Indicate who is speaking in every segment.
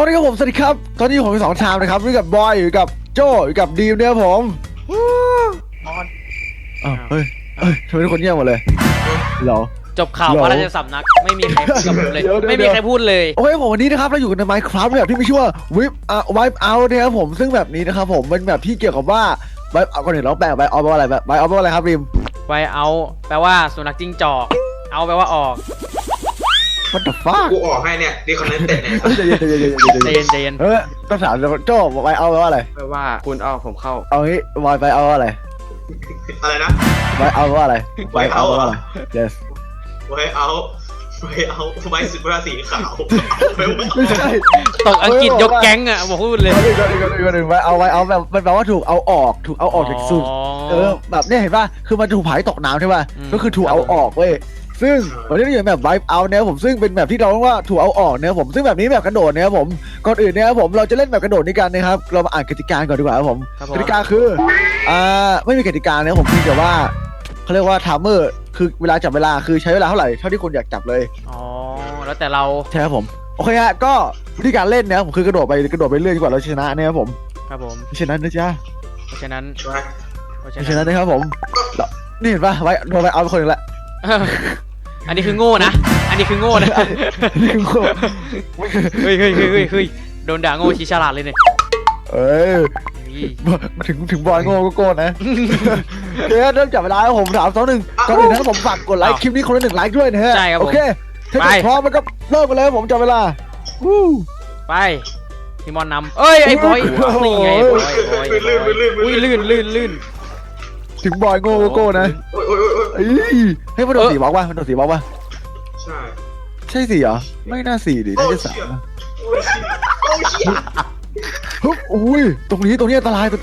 Speaker 1: วันนี้ครับผมสวัสดีครับตอนนี้ผมมี2 ชามนะครับอยู่กับบอยอยู่กับโจอยู่กับดีมเนี่ยผม
Speaker 2: มอน
Speaker 1: เฮ้ยทำไมทุกคนเงียบหมดเลยเหรอ
Speaker 2: จบข่าวพระราชสำนักไม่มีใครพูดกับผมเลยไม่มีใครพูดเลย
Speaker 1: โอเคผมวันนี้นะครับเราอยู่กันใน Minecraft แบบที่มีชื่อว่า Wipe Out นะครับผมซึ่งแบบนี้นะครับผมเป็นแบบที่เกี่ยวกับว่า Wipe Out ก่อนอื่นเราแปล Wipe Out แปลว่าอะไร Wipe Out แปลว่าอะไรครับริม
Speaker 2: Wipe Out แปลว่าสุนัขจิ้งจอกเอาแปลว่าออก
Speaker 1: What the fuck
Speaker 3: กูออกให้เนี่ยดีคอนเนตเต็ดเนี่ย
Speaker 2: ใจเย็น
Speaker 1: ต้องถามโจ Wipe Out แปลว่าอะไร
Speaker 4: แปลว่าคุณเอาผมเข้า
Speaker 1: เอางี้ Wipe Out แปลว่าอะไร
Speaker 3: อะไรนะ
Speaker 1: Wipe Out แปลว่าอะไร Wipe Out แปลว่าอะไร yes
Speaker 3: ไว้เอาไว้สุดราสีขาว
Speaker 1: ไม่ใช่
Speaker 2: ตกอังกฤษยกแก๊งอ่ะบอกพูดเลย
Speaker 1: ไว้เอาแบบมันแปลว่าถูกเอาออกจากสูตรแบบเนี่ยเห็นป่ะคือมันถูกผายตกน้ำใช่ป่ะก็คือถูกเอาออกเว้ยซึ่งวันนี้เราอยู่แบบ Wipe Out เนี่ยผมซึ่งเป็นแบบที่เราเรียกว่าถูกเอาออกเนี่ยผมซึ่งแบบนี้แบบกระโดดเนี่ยผมก่อนอื่นเนี่ยผมเราจะเล่นแบบกระโดดนี้กันนะครับเรามาอ่านกติกาก่อนดีกว่าครับผมกติกาคือไม่มีกติกาเนี่ยผมเพียงแต่ว่าเขาเรียกว่าไทม์เมอร์คือเวลาจับเวลาคือใช้เวลาเท่าไหร่เท่าที่คุณอยากจับเลย
Speaker 2: อ๋อแล้วแต่เรา
Speaker 1: ใช่ครับผมโอเคฮะก็วิธีการเล่นเนี่ยผมคือกระโดดไปเรื่อยดีกว่าเราชนะเนี่ยครับผม
Speaker 2: ครับผม
Speaker 1: ชนะนะจ๊ะ
Speaker 2: เพราะฉะนั้น
Speaker 1: นะครับผมนี่เห็นป่ะไว้โดนไปเอาไปคนนึงละ
Speaker 2: อันนี้คือโง่นะอันนี้คือโง่นะ
Speaker 1: นี่คือโง่
Speaker 2: เฮ้ยโดนด่าโง่ชี้ฉลาดเลยเนี่ย
Speaker 1: มาถึงบอลโง่ก็โก้นะเดี๋ยวเริ่มจับเวลาแล้วผม3 2 1ก่อนอื่นนะผมฝากกดไลค์คลิปนี้คนละ1 ไลค์ด้วยนะฮะโอเคถ้าพร้อมมันก็เริ่มกันเลยผมจับเวลา
Speaker 2: ไปพี่มอนนำเอ้ยไอ้บอยนี่ไงบอยอุ้ยลื่น
Speaker 1: ถึงบอยโง่ก็โก้นะให้มันโดนสีบล็อกป่ะมันโดนสีบล็อกป่ะใช่สีเหรอไม่น่าสีดิน่าจะ3นะอุ้ยตรงนี้อันตราย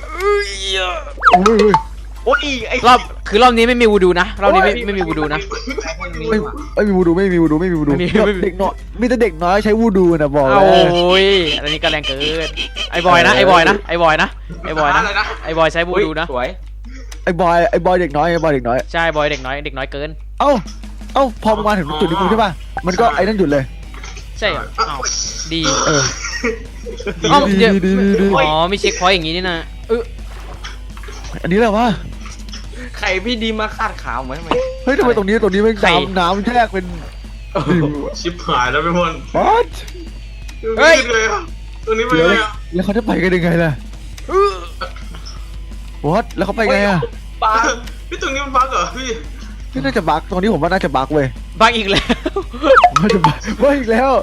Speaker 2: โอ้ยไอ้รอบนี้ไม่มีวูดูนะรอบนี้ไม่มีวูดูนะ
Speaker 1: ไม่มีวูดูเด็กน้อยมีแต่เด็กน้อยใช้วูดูนะบอกเลย
Speaker 2: โอ้ยอันนี้ก็แรงเกินไอ้บอยนะไอ้บอยใช้วูดูนะ
Speaker 4: สวย
Speaker 1: ไอ้บอยเด็กน้อย
Speaker 2: ใช่บอยเด็กน้อยเกิน
Speaker 1: เอ้าพอมาถึงจุดนี้กูใช่ป่ะมันก็ไอ้นั่นหยุดเลย
Speaker 2: ใช่ดีอ๋อมีเช็คพอยต์อย่างงี้นี่นะ
Speaker 1: อันนี้แหละวะ
Speaker 4: ใครพี่ดีมาคาดขาวไหม
Speaker 1: เฮ้ยทำไมตรงนี้ไม่น้ำแยกเป็น
Speaker 3: ชิบหายแล้วพี่มน
Speaker 1: what
Speaker 3: เฮ้ยตรงนี้ไปเลย
Speaker 1: แล้วเขาจะไปกันยังไงล่ะ what แล้วเขาไปไงอะ
Speaker 3: บักพี่ตรงนี้มันบักเหรอพี่
Speaker 1: นี่น่าจะบักตรงนี้ผมว่าน่าจะบักเว้ย
Speaker 2: บักอีกแล้ว
Speaker 1: น่าจะบักอีกแล้ว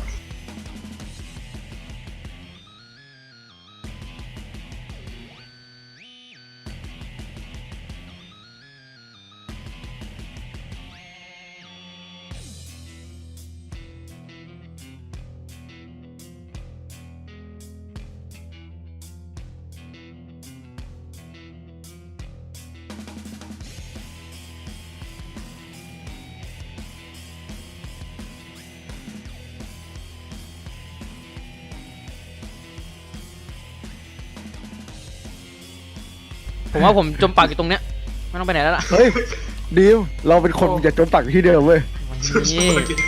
Speaker 2: ผมว่าผมจมปากอยู่ตรงเนี้ยไม่ต้องไปไหนแล้วล่ะ
Speaker 1: เฮ้ยดีมเราเป็นคนอย่าจมปากที่เดิมเว้ย
Speaker 2: นี่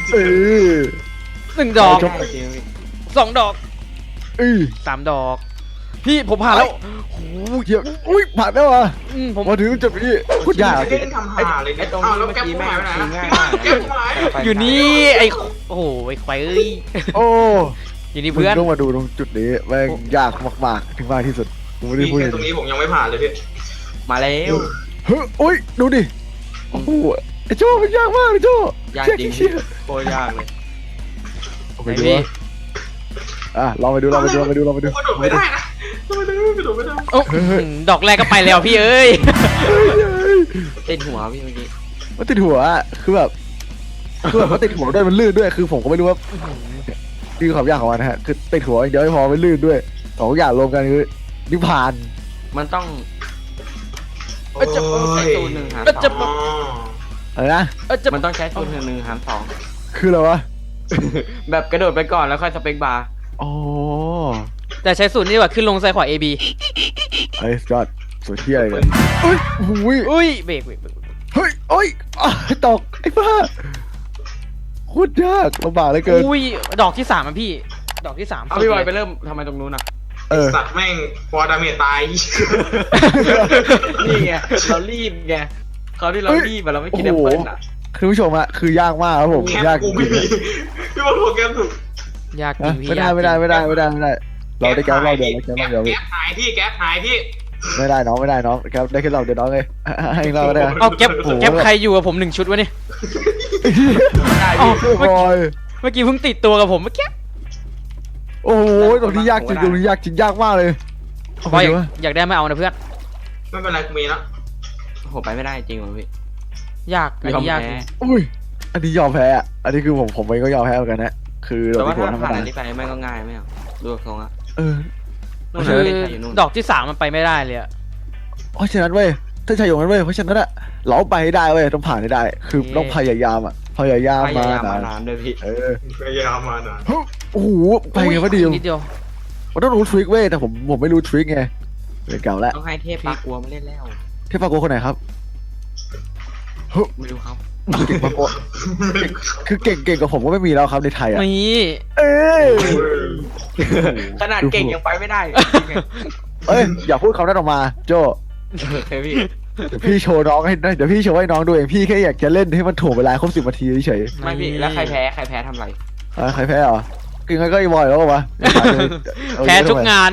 Speaker 2: 1 ดอก2 ดอก3 ดอกพี่ผมผ่านแล้ว
Speaker 1: โอ้ยอุ้ยผ่านแล้วอ่ะผมมาถึงจุดนี้พูดยาก
Speaker 3: เล่นทำหาเลย
Speaker 4: ตรงนี้เมื่อกี้แม่
Speaker 2: อยู่นี่ไอ้โอ้โหไอ้ควาย
Speaker 1: โอ้
Speaker 2: อยู่นี่เพื่อน
Speaker 1: ต้องมาดูตรงจุดนี้แม่งยากมากถึงมากที่สุดผมไม่ได้พูด
Speaker 3: ตรงนี้ผมยังไม่ผ่านเลยพี่
Speaker 4: มาแล้ว
Speaker 1: เฮ้ยโอ้ยดูดิโอ้โหไอ้โจ้มันยากมากไอ้โจ้
Speaker 4: ยากจริงโคตรยากเลย
Speaker 1: โอเคดูลองไปดู
Speaker 3: กระโดดไม่ได้นะกระโดดไม่ได้
Speaker 2: ดอกแรกก็ไปแล้วพี่เอ้ย
Speaker 4: ติดหัวพี่เมื่อกี้
Speaker 1: มันติดหัวคือแบบมันติดหัวด้วยมันลื่นด้วยคือผมก็ไม่รู้ว่าคือความยากของมันนะฮะคือติดหัวเดี๋ยวไม่พอมันลื่นด้วย2 อย่างรวมกันคือนิพพาน
Speaker 4: มันต้อง
Speaker 2: จะ
Speaker 4: ใช้ตัว1 หาร 2
Speaker 1: อะไรนะ
Speaker 4: มันต้องใช้ตัว1 หาร 2
Speaker 1: คืออะไรวะ
Speaker 4: แบบกระโดดไปก่อนแล้วค่อยสเปคบาร์
Speaker 1: อ๋อ
Speaker 2: แต่ใช้สูตรนี้ว่าขึ้นลงซ้ายขวา AB
Speaker 1: ไอ้จอดสุดที่อะไรกัน
Speaker 2: อุ้ยเบรก
Speaker 1: เฮ้ยโอ้ยตกไอ้บ้าโคตรยากลำบากเลยเกิน
Speaker 2: อุ้ยดอกที่3อ่ะพี่ดอกที่3
Speaker 4: เอาพี่บอยไปเริ่มทำไมตรงนู้นอ่ะ
Speaker 3: สัตว์แม่งฟอร์ดาเมจตาย
Speaker 4: นี่ไงเรารีบไงเขาที่เรารีบอะเราไม่กินแอปเปิ้ลอ่ะ
Speaker 1: คือผู้ชมอะคือยากมากครับผม
Speaker 3: แคป
Speaker 1: ยากจ
Speaker 3: กู
Speaker 1: ริ
Speaker 3: ไม่
Speaker 1: ง
Speaker 3: มีพี่บอลโปรแกรมถูก
Speaker 2: ยากจริงพี่
Speaker 1: ไม่ได้เราได้แค่เราเดียวพี่
Speaker 3: แก๊ปหายพี่แก๊ปหายพี่
Speaker 1: ไม่ได้น้องครับได้แค่เราเดียวน้องเลยให้เราก็ได้
Speaker 2: เอาแก๊ปใครอยู่กับผม1 ชุดวะเนี่ย
Speaker 1: โอ้บอย
Speaker 2: เมื่อกี้เพิ่งติดตัวกับผมเมื่อกี้
Speaker 1: โอ้โหตรงนี้ยากจริงยากมากเลย
Speaker 2: บอยอยากได้ไม่เอานะเพื่อน
Speaker 3: ไม่เป็นไรกูมีแล้ว
Speaker 4: โหไปไม่ได้จริงเหรอพี่
Speaker 2: ยากอันนี้ยากจริง
Speaker 1: อุ้ยอันนี้ยอมแพ้อะอันนี้คือผมเองก็ยอมแพ้เหมือนกันนะคือ
Speaker 4: แต่
Speaker 1: เรา
Speaker 4: ว่า
Speaker 1: ไม่ควร
Speaker 4: ถ้า
Speaker 1: ทำ
Speaker 4: ผ่าน
Speaker 1: อะ
Speaker 4: อั
Speaker 1: ไร
Speaker 4: นนี้ไปไม่ก็ง่ายไม่เอาดูทรงอ่ะ นู่น
Speaker 2: คือ
Speaker 4: เด็กชายอยู่นู่น
Speaker 2: ดอกที่3มันไปไม่ได้เลยอะ
Speaker 1: เพราะฉะนั้นเว้ยถ้าชายอย่างนั้นเว้ยเพราะฉะนั้นอะเราไปให้ได้เว้ยต้องผ่านให้ได้ คือต้องพยายามอะพยายาม
Speaker 4: พ
Speaker 1: มาย
Speaker 4: ายาม
Speaker 1: นาม
Speaker 4: าน นานด้วยพี่
Speaker 3: พยายามมานะ
Speaker 1: โอ้โหไปไงวะดิว
Speaker 2: นิดเดียว
Speaker 1: มันต้องรู้ทริคเว้ยแต่ผมไม่รู้ทริคไงเป็นเก่าแล้ว
Speaker 4: ต้องให้เทพปากกลัวมาเล่นแล้ว
Speaker 1: เทพปาโกคนไหนครับ
Speaker 4: ไม่รู้ครับ
Speaker 1: เก่งปาโกคือเก่งกว่าผมก็ไม่มีแล้วครับในไทยอะ
Speaker 2: นี่
Speaker 1: เอ้ย
Speaker 4: ขนาดเก่งยังไปไม่ได้
Speaker 1: เอ้ยอย่าพูดคำนั้นออกมาโจ
Speaker 4: เฮ้ยพี่
Speaker 1: เดี๋ยวพี่โชว์น้องให้เดี๋ยวพี่โชว์ให้น้องดูเองพี่แค่อยากจะเล่นให้มันถ่วงเวลาครบ10 นาทีเฉย
Speaker 4: ไม่พี่แล้วใครแพ้ทำไร
Speaker 1: ใครแพ้เหรอกินก็อีบอยแล้ววะ
Speaker 2: แพ้ทุกงาน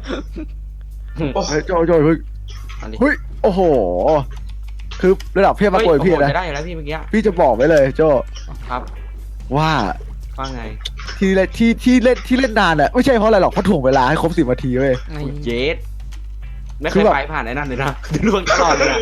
Speaker 1: โจเฮ้ย
Speaker 4: อันนี้
Speaker 1: เฮ้ยโอ้โหคือระดับเพียบมากกว่าพี่นะ
Speaker 4: จะได้อยู่แล้วพี่เมื่อกี้
Speaker 1: พี่จะบอกไว้เลยโจ
Speaker 4: ครับ
Speaker 1: ว่า
Speaker 4: ว่าไง
Speaker 1: ที่เล่นนานอะไม่ใช่เพราะอะไรหรอกเพราะถ่วงเวลาให้ครบ10 นาทีเว้ย
Speaker 4: เจสไม่เค
Speaker 1: คื
Speaker 4: ย
Speaker 1: อแบบ
Speaker 4: ไปผ่านไอ้นั่นเลยนะล่วงตลอดเลยนะ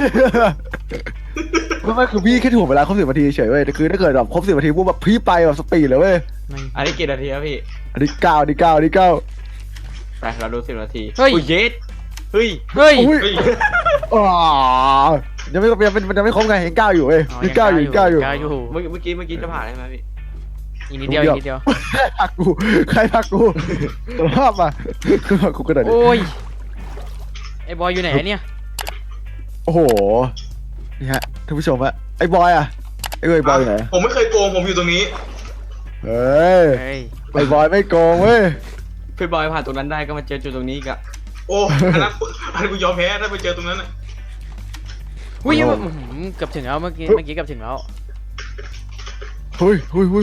Speaker 1: ไม่คือพี่แค่ถ่วงเวลาครบ10 นาทีเฉยเว้ยแต่คือถ้าเกิดแบบครบ10 นาทีปุ๊บแบบพี่ไปแบบสปีดเลยเว้ย
Speaker 4: อันนี้กี่นาทีครับพี่
Speaker 1: อันนี้9อันนี้9
Speaker 4: ไปเราดู10 นาที
Speaker 2: เฮ้ย
Speaker 4: เจสเฮ้ย
Speaker 2: เฮ้ย
Speaker 1: อุ้ยอ๋อยังไม่ครบไงยัง9อยู่เว้ยยัง9อยู่
Speaker 2: ก้าวอยู่
Speaker 4: เมื่อกี้จะผ่านได้ไหมพี่
Speaker 2: อีกนิดเดียวอีกนิดเดียว
Speaker 1: ใครพักกูสภาพมาคือพักกูกระโดด
Speaker 2: โอ้ยไอ้บอยอยู่ไหนเนี่ย
Speaker 1: โอ้โหนี่ฮะท่านผู้ชมฮะไอ้บอยอะไอ้บอยอยู่ไหน
Speaker 3: ผมไม่เคยโกงผมอยู่ตรงนี้
Speaker 1: เฮ้ย
Speaker 2: เฮ้ย
Speaker 1: ไอ้บอยไม่โกงเว้ย
Speaker 4: พี่บอยผ่านตรงนั้นได้ก็มาเจอจุดตรงนี้อีกอะ
Speaker 3: โอ้อันนั้นกูยอมแพ้ถ้าไปเจอตรงนั้นน่ะ
Speaker 2: อุ้ยเกือบถึงแล้วเมื่อกี้เกือบถึงแล้ว
Speaker 1: เฮ้ยเฮ้ย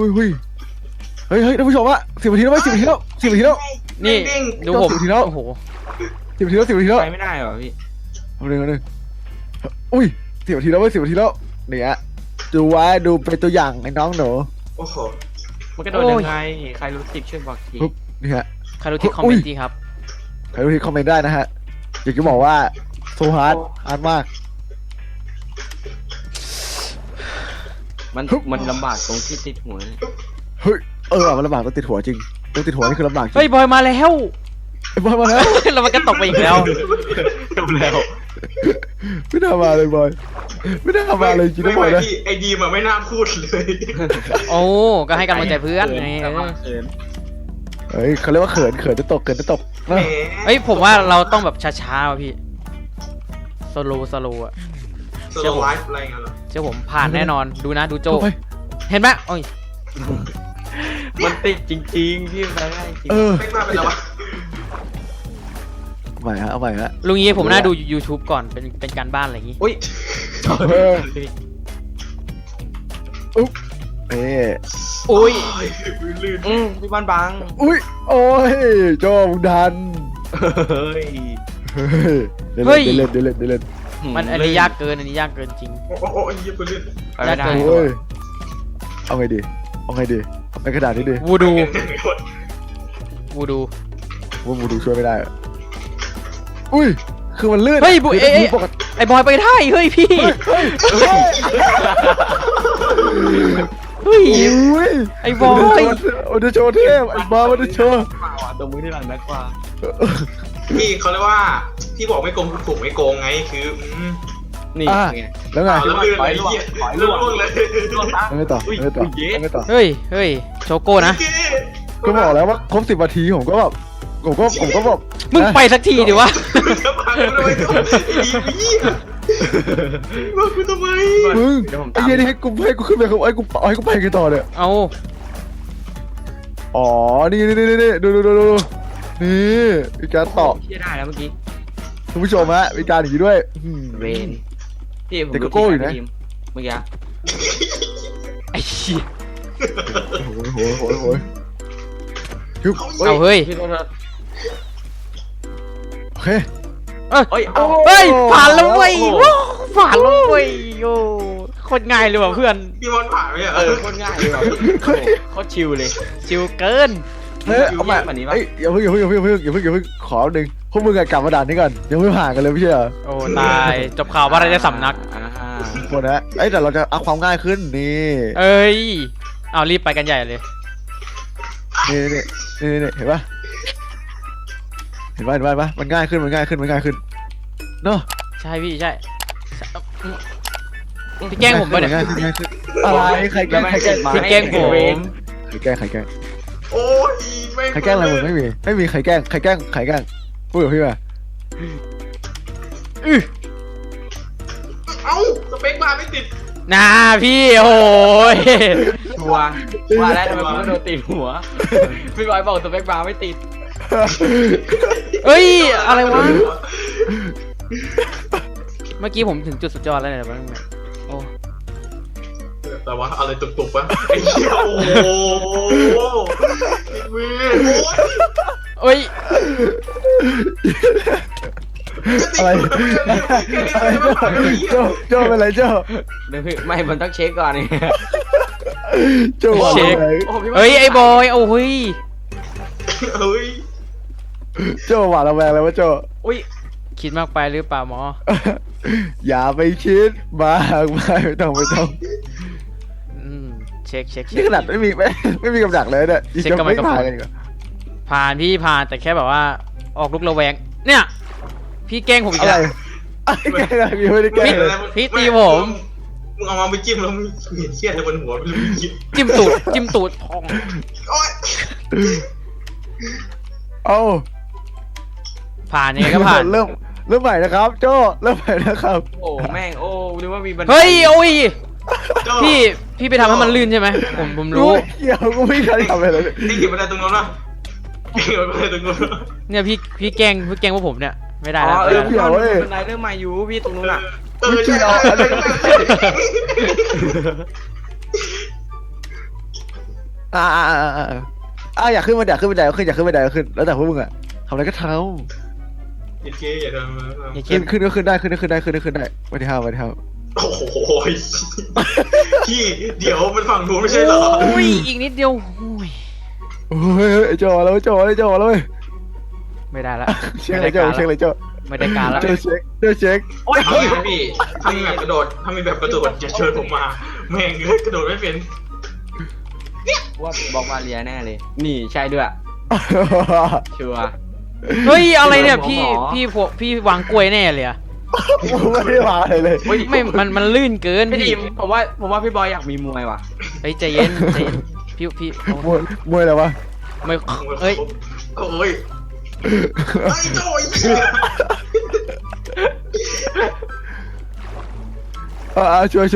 Speaker 1: ท่านผู้ชมอะ10 นาทีแล้วไหม10 นาทีแล้ว10 นาทีแล้ว
Speaker 2: นี่
Speaker 3: เด้ง
Speaker 2: ดูผม
Speaker 1: 10 นาทีแล้ว
Speaker 2: โอ้โห
Speaker 1: 10 นาทีแล้ว10 นาทีแล้ว
Speaker 4: ไปไม่ได้เหรอพี่
Speaker 1: เอาเลยอุ้ย10 นาทีแล้วเว้ย10 นาทีแล้วเนี่ยดูไว้ดูเป็นตัวอย่างไอ้น้องหนู
Speaker 3: โอ้โห
Speaker 4: มันกระโดดยังไงใครรู้สิช่วยบอกที
Speaker 1: ปุ๊บนี่ฮะ
Speaker 2: ใครรู้ที่คอมเมนต์ดีครับ
Speaker 1: ใครรู้ที่คอมเมนต์ได้นะฮะอยากจะบอกว่าโซฮาร์ดมาก
Speaker 4: มันลำบากตรงที่ติดหัวเนี่ย
Speaker 1: เฮ้ยมันลำบากต้องติดหัวจริงต้องติดหัวนี่คือลำบากจริง
Speaker 2: เฮ้ยบอยมาแล้ว
Speaker 1: ไอ้บอยมาแล้ว
Speaker 2: แล้วมันก็ตกไปอีกแล้ว
Speaker 4: จบแล้ว
Speaker 1: ไม่น่ามาเลยบอยไม่น่ามาเลยจริงนะบอยนะ
Speaker 3: พี่ไอ้ดีมอะไม่น่าพูดเลย
Speaker 2: โอ้ก็ให้กำลังใจเพื่อนไง
Speaker 1: เฮ้ยเขาเรียกว่าเขินจะตก
Speaker 3: แหม
Speaker 2: เฮ้ยผมว่าเราต้องแบบช้าๆว่ะพี่สโลอ่ะ
Speaker 3: สโลไลฟ์อะไรเงี้ยเหรอ
Speaker 2: เชื่อผมผ่านแน่นอนดูนะดูโจ
Speaker 1: ไป
Speaker 2: เห็นไหมโอ้ย
Speaker 4: มันติดจริงๆพี่ไปได้จริง
Speaker 3: ไม่มาเป็นไรวะ
Speaker 1: เอาใหม่ฮะ
Speaker 2: ลุงยี่ผมน่าดู YouTube ก่อนเป็นการบ้านอะไรอย่างงี้
Speaker 4: อุ้ย
Speaker 1: อุ๊บเอ้
Speaker 2: อุ้ย
Speaker 3: ลื่น
Speaker 4: พี่บ้านบัง
Speaker 1: อุ้ยโอ้ยโจมึงดัน
Speaker 4: เฮ้ย
Speaker 1: เดี๋ยวเล่น
Speaker 2: มันอันนี้ยากเกินจริง
Speaker 3: โอ้ยยี่ปืนลื่น
Speaker 4: ไปไม่ได้
Speaker 1: โอ้ยเอาไงดีในกระดาษนี้ดิ
Speaker 2: วูดู
Speaker 1: ว่าบูดูช่วยไม่ได้อุ้ยคือมันลื่น
Speaker 2: เฮ้ย
Speaker 1: คือถ้าปกติ
Speaker 2: ไอ้บอยไปได้เฮ้ยพี่เฮ้ย
Speaker 1: อุ้ย
Speaker 2: ไอ้บอย
Speaker 1: มันจะโชว์เทพไอ้บอยมันจะโชว์
Speaker 4: ตรงมือที่หลังนักกว่า
Speaker 3: พี่เขาเรียกว่าพี่บอกไม่โกงถูกไม่โกงไงคือ
Speaker 4: นี่ไง
Speaker 1: แล้วไง
Speaker 3: แล้วลื่นไอ้เหี้ยลื่นเลย
Speaker 1: ไม่ต่อ
Speaker 2: เฮ้ยโชโก้นะ
Speaker 1: ก็บอกแล้วว่าครบ10 นาทีผมก็แบบ
Speaker 2: มึงไปสักทีดิวะ
Speaker 3: จะพังทำไมก็ดีพี่ว่ากูทำไม
Speaker 1: มึงไอ้เหี้ยนี่ให้กูขึ้นไปให้กูไปกันต่อเนี่ย
Speaker 2: เอา
Speaker 1: อ๋อนี่ดูนี่มีการต่อ
Speaker 4: เชื่อได้แล้วเมื่อกี้
Speaker 1: คุณผู้ชมฮะมีการอย่างนี้ด้วย
Speaker 4: เวนพี่ผม
Speaker 1: แต่ก็โก้อยู่นะ
Speaker 4: เมื่อกี้
Speaker 2: ไอ้เหี้ย
Speaker 1: โอ้โหฮึบ
Speaker 2: เอาเฮ้ย
Speaker 4: พี่โทษ
Speaker 1: โอเค
Speaker 4: เฮ้ยเอา
Speaker 2: เฮ้ยผ่านแล้วเว้ยว้าวผ่านแล้วเว้ยโอ้โคตรง่ายเลยว่ะเพื่อน
Speaker 3: พี่มอนผ่านไหมอ่ะ
Speaker 4: โคตรง่ายเลยว่ะโคตรชิลเลย
Speaker 2: ชิวเกิน
Speaker 1: เฮ้ยเอามา
Speaker 4: แบบนี้ปะ
Speaker 1: เอ้ยอย่าเพิ่งขอหนึ่งพวกมึงอะกลับมาด่านนี้ก่อนยังไม่ผ่านกันเลยไม่ใช่เหรอ
Speaker 2: โอ้ตายจบข่าวว่าอะไรจะสำนัก
Speaker 1: คนนะเอ้ยแต่เราจะเอาความง่ายขึ้นนี่
Speaker 2: เอ้ยเอารีบไปกันใหญ่เลย
Speaker 1: นี่เห็นปะมันง่ายขึ้นเนาะ
Speaker 2: ใช่พี่ใช่พี่แกล้งผมไปะเนี่ย
Speaker 1: ง่ายขึ้นอะไรใครแกล้ง
Speaker 2: พี่แกล้งผม
Speaker 1: ใครแกล้ง
Speaker 3: โอ้ยแม่ง
Speaker 1: ใครแกล้งอะไรมึงไม่มีใครแกล้งพูดกับพี่มา
Speaker 3: เอ้าสเปคมาไม่ติด
Speaker 2: นาพี่โอ้ย
Speaker 4: ชัวร์ว่าแล้วทำไมผมโดนตีหัวพี่บอยบอกสเปคบาร์ไม่ติด
Speaker 2: เอ้ยอะไรวะเมื่อกี้ผมถึงจุดสุดยอดแล้วเนี่ยบ้างเนี่ยโอ้
Speaker 3: แต่ว่าอะไรตุกๆวะไอ้เหี้ยโอ้โหมือ
Speaker 2: เอ้ย
Speaker 1: อะไรโจ้เป็นไรโจ้
Speaker 4: เดี๋ยวพี่ไม่มันต้องเช็คก่อนนี่
Speaker 1: โจ้ว่าอะไร
Speaker 4: โอ้พี่
Speaker 2: เอ้ยไอ้บอยโอ้ย
Speaker 3: เฮ้ย
Speaker 1: โจ้หวาดระแวงแล้วว่าโจ้
Speaker 4: อุ้ย
Speaker 2: คิดมากไปหรือเปล่าหมอ
Speaker 1: อย่าไปคิดมากไม่ต้อง
Speaker 2: เช็ค
Speaker 1: นี่ขนาดไม่มีกำลังเลยเนี่ยยังไม่ผ่านกันอีก
Speaker 2: ผ่านพี่ผ่านแต่แค่แบบว่าออกลุกระแวงเนี่ยพี่แกล้งผมอีก
Speaker 1: อะไร
Speaker 2: แล้ว
Speaker 1: แกล้งไม่ได้แกล้งเลย
Speaker 2: พี่ตีผม
Speaker 3: มึงเอามาไปจิ้มแล้วมึงเห็นเชี่ยอะไรบนหัวไม่รู้มึงคิด
Speaker 2: จิ้มตูดทอง
Speaker 3: โอ๊ย
Speaker 1: เอา
Speaker 2: ผ่านยังไงก็ผ่าน
Speaker 1: เริ่มใหม่นะครับ โจ้เริ่มใหม่นะครับ
Speaker 4: โอ้แม่งโอ้นึกว่ามีบันได
Speaker 2: เฮ้ยโอ้ย
Speaker 3: โจ้
Speaker 2: พี่ไปทำให้มันลื่นใช่ไหมผมรู้
Speaker 1: เกี่ยวกูไม่เคยทำอะไรเลย
Speaker 3: นี่เก็บอะไรตรงนู้นวะเก็บอะไรตรงนู้น
Speaker 2: เนี่ยพี่แกล้งพวกผมเนี่ยไม่ได้
Speaker 4: อ๋อ
Speaker 2: แล้ว
Speaker 4: พี่บอยมีบันไดเริ่มใหม่อยู่พี่ตรงนู้นอ่ะ
Speaker 3: ใช่
Speaker 1: อยากขึ้นมาอยากขึ้นแล้วแต่พวกมึงอะทำอะไรก็ท
Speaker 3: โอเคอย่าทำ
Speaker 2: อย่า
Speaker 1: ำ
Speaker 2: คิด
Speaker 1: ขึ้นก็ขึ้นได้วันที่ห้า
Speaker 3: โอ้โหพี่เดี๋ยวมันฝั่งนู้นไม่ใช่เหรอ
Speaker 2: โอ้ยอีกนิดเดียวโอ้ย
Speaker 1: โอ้ยโจ้แล้วเว้ย
Speaker 2: ไม่ได้ละ
Speaker 1: เช็คเลยโจ้
Speaker 2: ไม่ได้การแล้ว
Speaker 1: เช็ค
Speaker 3: โอ้ยพี่ถ้ามีแบบกระโดดจะเชิญผมมาแม่งกระโดดไม่เป็น
Speaker 4: ว่าบอกว่าเลียแน่เลย นี่ใช่ด้วยชัวร์
Speaker 2: เฮ้ยอะไรเนี่ย
Speaker 4: หมอ
Speaker 2: พี่วางกล้วยแน่เลยอะ
Speaker 1: ไม่ได้มาอะไรเลย
Speaker 2: ไม่มันลื่นเกิน
Speaker 4: พี่
Speaker 2: พี่
Speaker 4: ดิมผมว่าพี่บอยอยากมีมวยว่ะ
Speaker 2: เฮ้ยใจเย็นพี่โอ้
Speaker 1: มวยอะไรวะ
Speaker 2: ไม่เฮ้ย
Speaker 3: โอ้ยไอ้โจ้ย
Speaker 1: ช่วย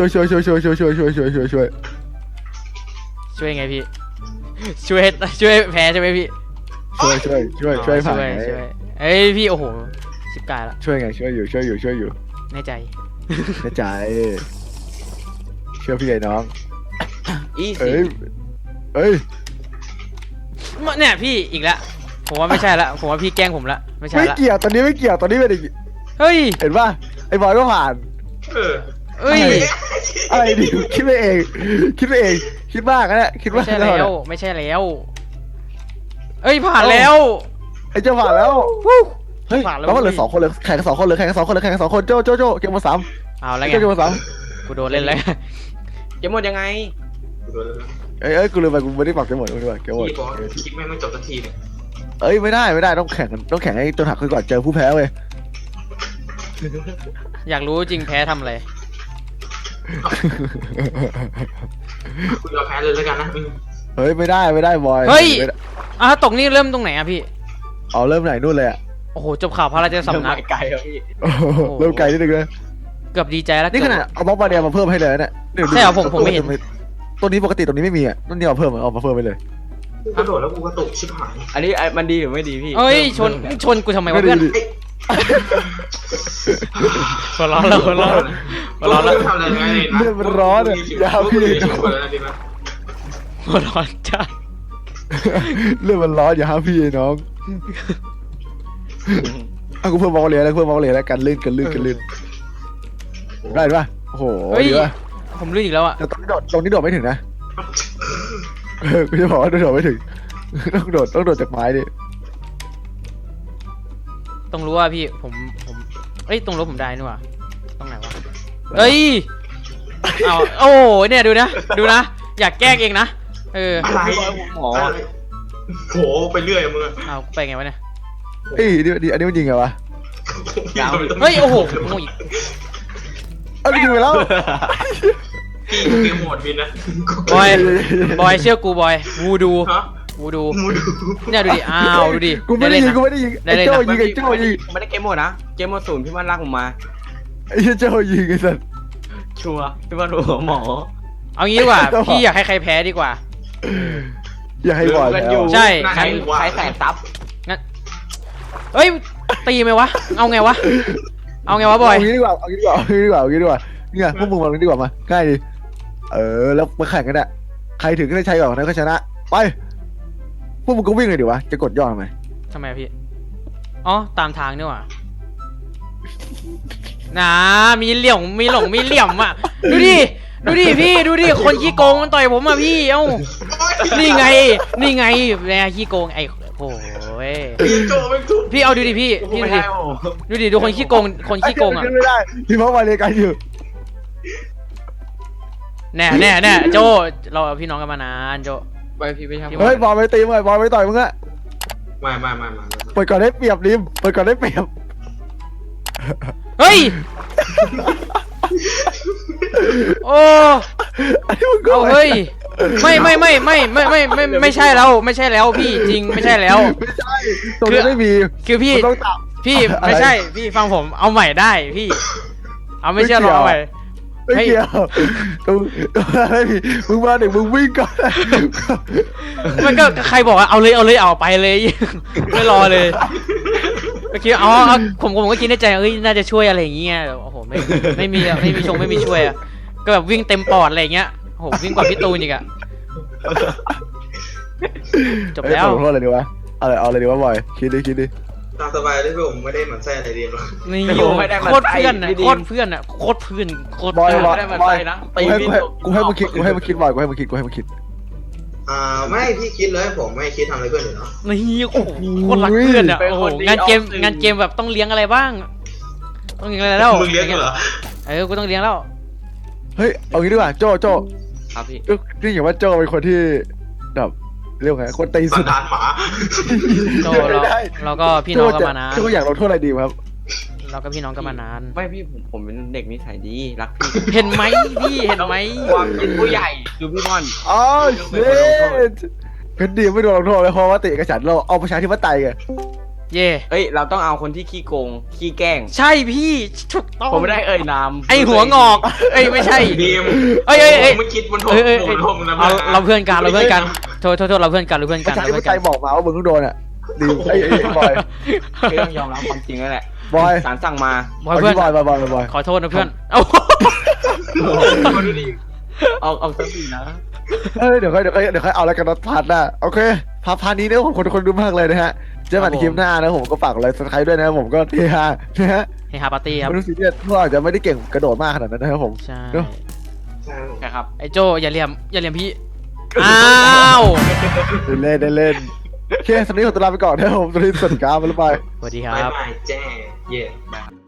Speaker 2: ช่วยไงพี่ช่วยแพ้ใช่ไหมพี่
Speaker 1: ช่วยผ่าน
Speaker 2: ช่วยเอ้ยพี่โอ้โหชิบกายละ
Speaker 1: ช่วยไงช่วยอยู่
Speaker 2: แน่ใจ
Speaker 1: กระจายเชื่อพี่ไอ้น้อง
Speaker 4: อี
Speaker 1: เอ้
Speaker 4: ซี่
Speaker 1: ยเอ้ย
Speaker 2: เนี่ยพี่อีกแล้วผมว่าไม่ใช่ละผมว่าพี่แกล้งผมละไม่ใช่
Speaker 1: ไม่
Speaker 2: ละ
Speaker 1: เกี่ยวตอนนี้ไม่เกี่ยวตอนนี้เป็นอีก
Speaker 2: เฮ้ย
Speaker 1: เห็นป่ะไอ้บอยก็ผ่าน
Speaker 2: เอ้ย
Speaker 1: อะไรดิคิดไปเองคิดมากนะเนี่ยคิด
Speaker 2: ไม่
Speaker 1: มาก
Speaker 2: ใช่แล้วเอ้ยผ่านแล้ว
Speaker 1: ไอ้เจ้าผ่านแล้ว
Speaker 2: วู้
Speaker 1: เฮ้ย
Speaker 2: ผ่านแล้ว
Speaker 1: แล้วมันเหลือ2 คนเลยแข่งกัน2 คนเลยโจ้เกมมา3
Speaker 2: เอาแล้วไง
Speaker 1: เกมมา
Speaker 2: กูโดนเล่นแล้ว
Speaker 4: จะหมดยังไง
Speaker 1: เอ้ยกูลืมไปกูไม่ได้ปรับเกมหมดด้วยเกมหมด
Speaker 3: พี่บอกคลิปแม่งไม่จบสักทีเนี่ย
Speaker 1: เอ้ยไม่ได้ต้องแข่งให้ตัวหักขึ้นก่อนเจอผู้แพ้เว้ย
Speaker 2: อยากรู้จริงแพ้ทำอะไร
Speaker 3: คุณยอมแพ้เลยแล้วกันนะ
Speaker 1: เฮ้ยไม่ได้บอย
Speaker 2: เฮ้ยตกนี่เริ่มตรงไหนอะพี่
Speaker 1: เอาเริ่มไหนนู่นเลยอ่ะ
Speaker 2: โอ้โหจบข่าวพระราชสำนัก
Speaker 4: ไกลครับพี่
Speaker 1: เริ่มไกลนิดนึงเลย
Speaker 2: เกือบดีใจแล้ว
Speaker 1: นี่ขนาดเอาบล็อกบาเดียมาเพิ่มให้เลยเนี่ย
Speaker 2: ใช่เหรอผมไม่เห็น
Speaker 1: ตัวนี้ปกติตัวนี้ไม่มีอ่ะนั่นนี่เอามาเพิ่มไปเลย
Speaker 3: กูกระโดดแล้วกูกระตุกชิบหาย
Speaker 4: อันนี้มันดีหรือไม่ดีพี่
Speaker 2: เอ้ยชนกูทำไมวะเพื่อนหัวร้อนแล้วหัวร้อนหัวร้อนแล้ว
Speaker 3: ทำอะไรไงนะ
Speaker 1: เลือดมันร้อนอ่ะอย่าเอาพี่
Speaker 2: หัวร้อนจ้า
Speaker 1: เลือดมันร้อนอย่าห้ามพี่น้องเอากูเพิ่มบอลเลยแล้วเพิ่มบอลเลยแล้วกันลื่นได้ปะโอ้โห
Speaker 2: เฮ้ย
Speaker 1: ดีปะ
Speaker 2: ผมลื่นอีกแล้วอ่ะ
Speaker 1: แต่ตรงนี้โดดไม่ถึงนะกูจะบอกว่าโดดไม่ถึงต้องโดดจากไม้ดิ
Speaker 2: ต้องรู้ว่าพี่ผมเอ้ยตรงรถผมได้นี่หว่าตรงไหนวะเอ้ยเอาโอ้เนี่ยดูนะอยากแกล้งเองนะ
Speaker 3: อะไร
Speaker 4: หมอ
Speaker 3: โหไปเรื่อยมึง
Speaker 2: เอาไปไงวะเนี่ย
Speaker 1: เฮ้ยดิอันนี้มันยิงไงวะ
Speaker 2: เฮ้ยโอ้โหโง่อีก
Speaker 1: เอาไปยิงไปแล้ว
Speaker 3: เกมโหมดบินนะ
Speaker 2: บอยเชื่อกูบอยวูดู
Speaker 3: ฮะ
Speaker 2: วูดู
Speaker 3: มูดู
Speaker 2: เนี่ยดูดิอ้าวดูดิ
Speaker 1: กูไม่ได้ยิงไอ้โจ้ยิงไอ้โจ้ยิง
Speaker 4: ไม่ได้เกมหมดนะเกมหมดศูนย์พี่มันลากผมมา
Speaker 1: ไอ้โจ้ยิงไอ้สัส
Speaker 4: ชัวร์พี่มันหัวหมอ
Speaker 2: เอางี้ดีกว่าพี่อยากให้ใครแพ้ดีกว่า
Speaker 1: อย่าให้บอล
Speaker 4: กัน
Speaker 1: แล้
Speaker 4: อยู่
Speaker 1: ว
Speaker 2: ใช่
Speaker 4: ใครแสบซับ
Speaker 2: เฮ้ยตีไหมวะเอาไงวะบอย
Speaker 1: เอางี้ดีกว่าเนี่ยพวกมึงมาดีกว่ามาง่ายดีแล้วมาแข่งกันอ่ะใครถึงก็ได้ใช้ก่อนนะก็ชนะไปพวกมึงก็วิ่งเลยดิวะจะกดย่อทำไม
Speaker 2: ทำไมพี่อ๋อตามทางนี่หว่านะมีเหลี่ยมอ่ะดูดิพี่ดูดิคนขี้โกงมันต่อยผมอ่ะพี่เอ้านี่ไงแม่ขี้โกงไอ้โอ้ย
Speaker 3: โจไม่ถูก
Speaker 2: พี่เอาดูดิพี่ดูดิดูคนขี้โกงอ่ะ
Speaker 1: ขึ้นไม่ได้พี่พ่อมาเลยกันอยู่
Speaker 2: แน่โจเราพี่น้องกันมานานโจ
Speaker 4: ไปพี่ไปทำ
Speaker 1: เฮ้ยบอลไปตีมึงบอลไปต่อยมึงอะ
Speaker 3: ไม่
Speaker 1: เปิดก่อนได้เปรียบริมเปิดก่อนได้เปรียบ
Speaker 2: เฮ้ยโอ้
Speaker 1: ไอ้มึงก็
Speaker 2: เอาเฮ้ยไม่ใช่แล้วพี่จริงไม่ใช่แล้ว
Speaker 1: ไม่ใช่ตรงนี้ไม่มี
Speaker 2: คือพี่
Speaker 1: ต้องตับ
Speaker 2: พี่ไม่ใช่พี่ฟังผมเอาใหม่ได้พี่เอาไม่เชื่อลองเอาใหม่
Speaker 1: ไม่เกี่ยวตรงไม่มีมึงมาเด็กมึงวิ่งก่อน
Speaker 2: มันก็ใครบอกว่าเอาไปเลย ไม่รอเลยก็คิดผมก็คิดในใจเอ้ยน่าจะช่วยอะไรอย่างเงี้ยโอ้โหไม่มีช่วยอะก็แบบวิ่งเต็มปอดอะไรอย่างเงี้ยโอ้โหวิ่งกว่าพี่ตูนอีกอะจบแล้ว
Speaker 1: ขอโทษอะไรดีวะเอาอะไรดีวะบอยคิดดิ
Speaker 3: ตามสบายเลยผมไม่ได้หมั่นไส้อะไรเดียวหรอก
Speaker 2: นี่โคตรเพื่อนอะโคตรเพื่อน
Speaker 1: บอย
Speaker 4: ไม่ได้มันไปนะตีพี่
Speaker 1: กูให้มึงคิดบอยกูให้มึงคิด
Speaker 3: ไม่พี่คิดเลยผมไม่คิดทำอะไรเพื่อนอยู่เนาะ
Speaker 2: นี่โอ้โหโคตรรักเพื่อนอะโอ้โหงานเกมแบบต้องเลี้ยงอะไรบ้างต้องเลี้ยงอะไรแล้ว
Speaker 3: มึงเลี้ยงเหรอ
Speaker 2: กูต้องเลี้ยงแล้ว
Speaker 1: เฮ้ยเอางี้ดีกว่าโจ
Speaker 4: ครับพี่
Speaker 1: นี่อย่างว่าโจเป็นคนที่แบบเรียกไงคนตี
Speaker 3: สั
Speaker 1: สุ
Speaker 3: น
Speaker 1: ด
Speaker 3: ดานหมา
Speaker 2: โจเราก็พี่น้องกันมานาน
Speaker 1: โจอยากลงโทษอะไรดีครับ
Speaker 2: เราก็พี่น้องกันมานาน
Speaker 4: ไม่พี่ผมเป็นเด็กนิสัยดีรักพี่
Speaker 2: เห็นไหมพี่เห็นไหม
Speaker 4: ความเป็นผู้ใหญ่คือพี่บอล
Speaker 1: อ๋อเชดเป็นดีไม่โดนลงโทษเลยเพราะว่าติเอกฉันท์เราเอาประชาธิปไตยไง
Speaker 2: เย่
Speaker 4: เอ้ยเราต้องเอาคนที่ขี้โกงขี้แกล้ง
Speaker 2: ใช่พี่ถูกต้อง
Speaker 4: ผมไม่ได้เอ่ยนาม
Speaker 2: ไอหัวงอกไม่ใช่
Speaker 3: ดีม
Speaker 2: เอ้ย
Speaker 3: ไม่คิดมันโทษ
Speaker 2: เอาเราเพื่อนกันโทษเราเพื่อนกัน
Speaker 1: ประชาธิปไตยบอกมาว่ามึงต้องโดนอ่ะดีไอ้บอย
Speaker 4: คือต้องยอมรับความจริงนั่นแหละ
Speaker 1: บอย
Speaker 4: ศาลสั่งมา
Speaker 2: บอยเพื่อน
Speaker 1: บอย
Speaker 2: ขอโทษนะเพื่อนเอา
Speaker 4: เอาสักทีนะ
Speaker 1: เดี๋ยวค่อยเอาแล้วกันนะพาร์ทหน้าโอเคพาร์ทนี้เนี่ยผมคนดูมากเลยนะฮะเจอกันในคลิปหน้านะผมก็ฝากอะไรสักใครด้วยนะผมก็เฮฮานะฮะ
Speaker 2: เฮฮาปาร์ตี้ครับ
Speaker 1: ไม่รู้สิเนี่ยพวกอาจจะไม่ได้เก่งกระโดดมากขนาดนั้นนะครับผม
Speaker 2: ใช่
Speaker 4: ใช่ครับ
Speaker 2: ไอโจอย่าเหลี่ยมพี่อ้าว
Speaker 1: ได้เล่นโอเคสำหรับนี้ขอตัวลาไปก่อนนะครับผมสวัสดีครับบ๊ายบาย
Speaker 2: สวัสดีค
Speaker 3: บ๊าย
Speaker 2: รับ
Speaker 3: บายแจ้เย่